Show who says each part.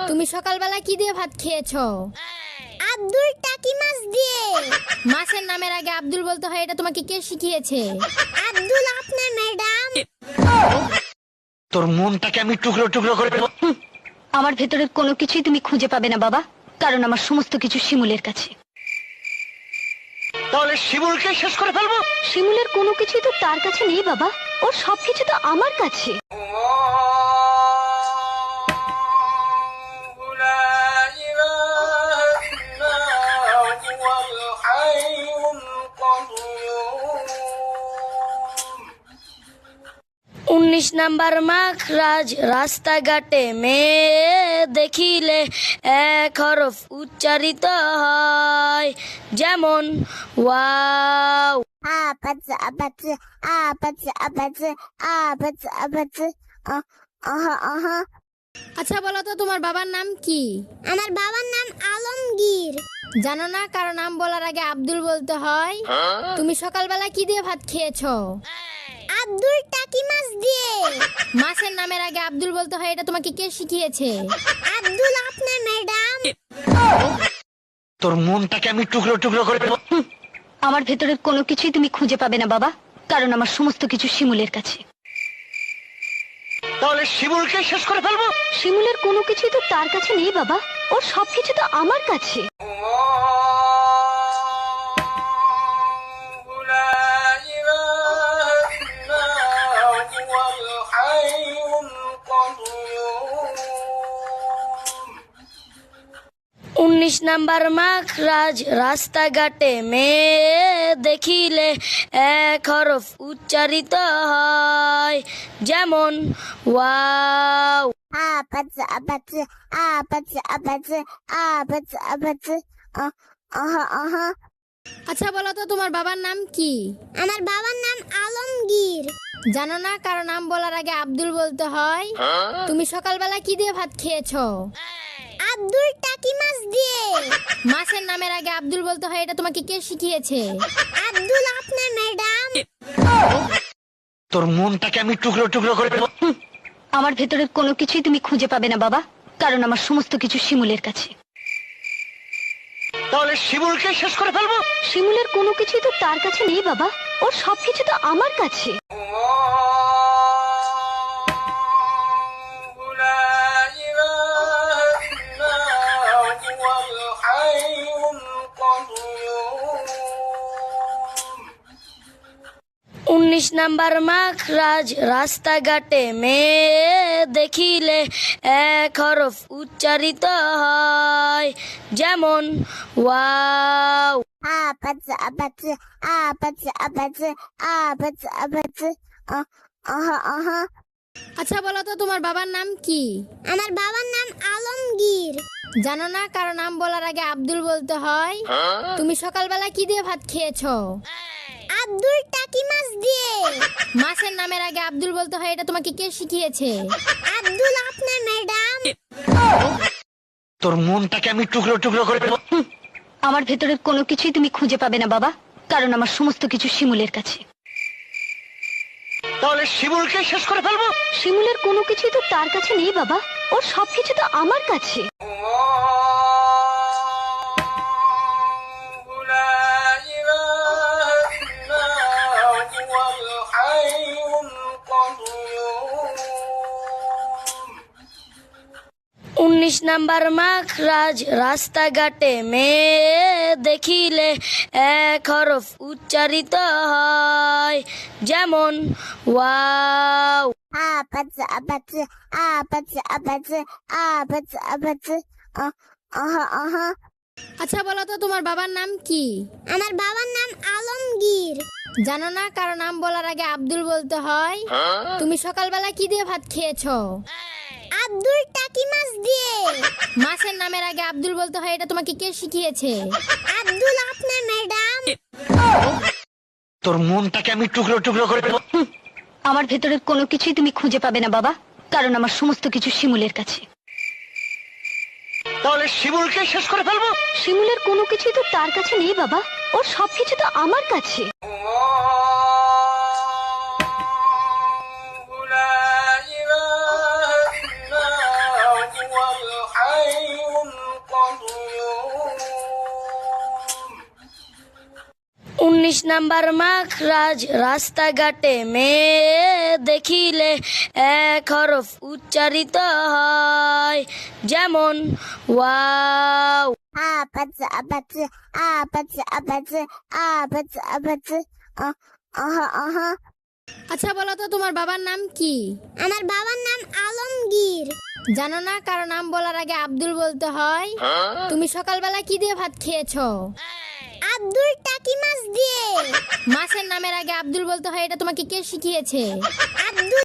Speaker 1: তুমি সকালবেলা কি দিয়ে ভাত খেয়েছো?
Speaker 2: আব্দুল টাকি মাছ দিয়ে।
Speaker 1: মাছের নামের আগে আব্দুল বলতে হয়, এটা তোমাকে কে শিখিয়েছে?
Speaker 2: আব্দুল আপনার ম্যাডাম।
Speaker 3: তোর মনটাকে আমি টুকরো টুকরো করে দেব।
Speaker 4: আমার ভেতরের কোনো কিছুই তুমি খুঁজে পাবে না বাবা, কারণ আমার সমস্ত কিছু শিমুলের কাছে।
Speaker 3: তাহলে শিমুলকে শেষ করে ফেলবো।
Speaker 4: শিমুলের কোনো কিছুই তো তার কাছে নেই বাবা, ওর সবকিছু তো আমার কাছে।
Speaker 5: উনিশ নাম্বার মাখরাজ রাস্তাঘাটে মেয়ে দেখিলে এক হরফ উচ্চারিত হয়, যেমন ওয়াও।
Speaker 2: আবাজ আবাজ আবাজ আবাজ আবাজ আবাজ। আহা আহা।
Speaker 1: আচ্ছা বলো তো, তোমার বাবার নাম কি?
Speaker 2: আমার বাবার নাম আলমগীর।
Speaker 1: জানো না কারো নাম বলার আগে আব্দুল বলতে হয়? তুমি সকালবেলা কি দিয়ে ভাত খেয়েছো?
Speaker 2: আব্দুল টাকি মাছ দিয়ে।
Speaker 1: মাছের নামের আগে আব্দুল বলতে হয়, এটা তোমাকে কে শিখিয়েছে?
Speaker 2: আব্দুল আপনার ম্যাডাম।
Speaker 3: তোর মনটাকে আমি টুকরো টুকরো করে দেব।
Speaker 4: আমার ভেতরের কোনো কিছুই তুমি খুঁজে পাবে না বাবা, কারণ আমার সমস্ত কিছু শিমুলের কাছে।
Speaker 3: তাহলে শিমুলকে শেষ করে ফেলবো।
Speaker 4: শিমুলের কোনো কিছুই তো তার কাছে নেই বাবা, ওর সবকিছু তো আমার কাছে।
Speaker 5: উনিশ নাম্বার মাখরাজ রাস্তাঘাটে মেয়ে দেখিলে এক হরফ উচ্চারিত হয়, যেমন ওয়াও।
Speaker 2: আবাজ আবাজ আবাজ আবাজ আবাজ আবাজ। আহা আহা।
Speaker 1: আচ্ছা বলো তো, তোমার বাবার নাম কি?
Speaker 2: আমার বাবার নাম আলমগীর।
Speaker 1: জানো না কারো নাম বলার আগে আব্দুল বলতে হয়? তুমি সকালবেলা কি দিয়ে ভাত খেয়েছো?
Speaker 2: আব্দুল টাকি মাছ দিয়ে।
Speaker 1: মাছের নামের আগে আব্দুল বলতে হয়, এটা তোমাকে কে শিখিয়েছে?
Speaker 2: আব্দুল আপনার ম্যাডাম।
Speaker 3: তোর মনটাকে আমি টুকরো টুকরো করে দেব।
Speaker 4: আমার ভেতরের কোনো কিছুই তুমি খুঁজে পাবে না বাবা, কারণ আমার সমস্ত কিছু শিমুলের কাছে।
Speaker 3: তাহলে শিমুলকে শেষ করে ফেলবো।
Speaker 4: শিমুলের কোনো কিছুই তো তার কাছে নেই বাবা, ওর সবকিছু তো আমার কাছে।
Speaker 5: উনিশ নাম্বার মাখরাজ রাস্তাঘাটে মেয়ে দেখিলে এক হরফ উচ্চারিত হয়, যেমন ওয়াও।
Speaker 2: আবাজ আবাজ আবাজ আবাজ আবাজ আবাজ। আহা আহা।
Speaker 1: আচ্ছা বলো তো, তোমার বাবার নাম কি?
Speaker 2: আমার বাবার নাম আলমগীর।
Speaker 1: জানো না কারো নাম বলার আগে আব্দুল বলতে হয়? তুমি সকালবেলা কি দিয়ে ভাত খেয়েছো?
Speaker 2: আব্দুল টাকি মাছ দিয়ে।
Speaker 1: মাছের নামের আগে আব্দুল বলতে হয়, এটা তোমাকে কে শিখিয়েছে?
Speaker 2: আব্দুল আপনার ম্যাডাম।
Speaker 3: তোর মনটাকে আমি টুকরো টুকরো করে দেব।
Speaker 4: আমার ভেতরের কোনো কিছুই তুমি খুঁজে পাবে না বাবা, কারণ আমার সমস্ত কিছু শিমুলের কাছে।
Speaker 3: তাহলে শিমুলকে শেষ করে ফেলবো।
Speaker 4: শিমুলের কোনো কিছুই তো তার কাছে নেই বাবা, ওর সবকিছু তো আমার কাছে।
Speaker 5: উনিশ নাম্বার মাখরাজ রাস্তাঘাটে মেয়ে দেখিলে এক হরফ উচ্চারিত হয়, যেমন ওয়াও।
Speaker 2: আবাজ আবাজ আবাজ আবাজ আবাজ আবাজ। আহা আহা।
Speaker 1: আচ্ছা বলো তো, তোমার বাবার নাম কি?
Speaker 2: আমার বাবার নাম আলমগীর।
Speaker 1: জানো না কারো নাম বলার আগে আব্দুল বলতে হয়? তুমি সকালবেলা কি দিয়ে ভাত খেয়েছো?
Speaker 2: আব্দুল টাকি মাছ দিয়ে।
Speaker 1: মাছের নামের আগে আব্দুল বলতে হয়, এটা তোমাকে কে শিখিয়েছে?
Speaker 2: আব্দুল আপনার ম্যাডাম।
Speaker 3: তোর মনটাকে আমি টুকরো টুকরো করে দেব।
Speaker 4: আমার ভেতরের কোনো কিছুই তুমি খুঁজে পাবে না বাবা, কারণ আমার সমস্ত কিছু শিমুলের কাছে।
Speaker 3: তাহলে শিমুলকে শেষ করে ফেলবো।
Speaker 4: শিমুলের কোনো কিছুই তো তার কাছে নেই বাবা, ওর সবকিছু তো আমার কাছে।
Speaker 5: 19 নাম্বার মাখরাজ রাস্তাঘাটে মেয়ে দেখিলে এক হরফ উচ্চারিত হয় যেমন ওয়াও।
Speaker 2: আপাতসা আপাতসা আপাতসা আপাতসা আপাতসা আপাতসা আহা আহা।
Speaker 1: আচ্ছা বলো তো তোমার বাবার নাম কি?
Speaker 2: আমার বাবার নাম আলমগীর।
Speaker 1: জানো না কারো নাম বলার আগে আব্দুল বলতে হয়? তুমি সকালবেলা কি দিয়ে ভাত খেয়েছো?
Speaker 2: আব্দুল টাকি মাছ দিয়ে।
Speaker 1: মাছের নামের আগে আব্দুল বলতে হয়, এটা তোমাকে কে শিখিয়েছে?
Speaker 2: আব্দুল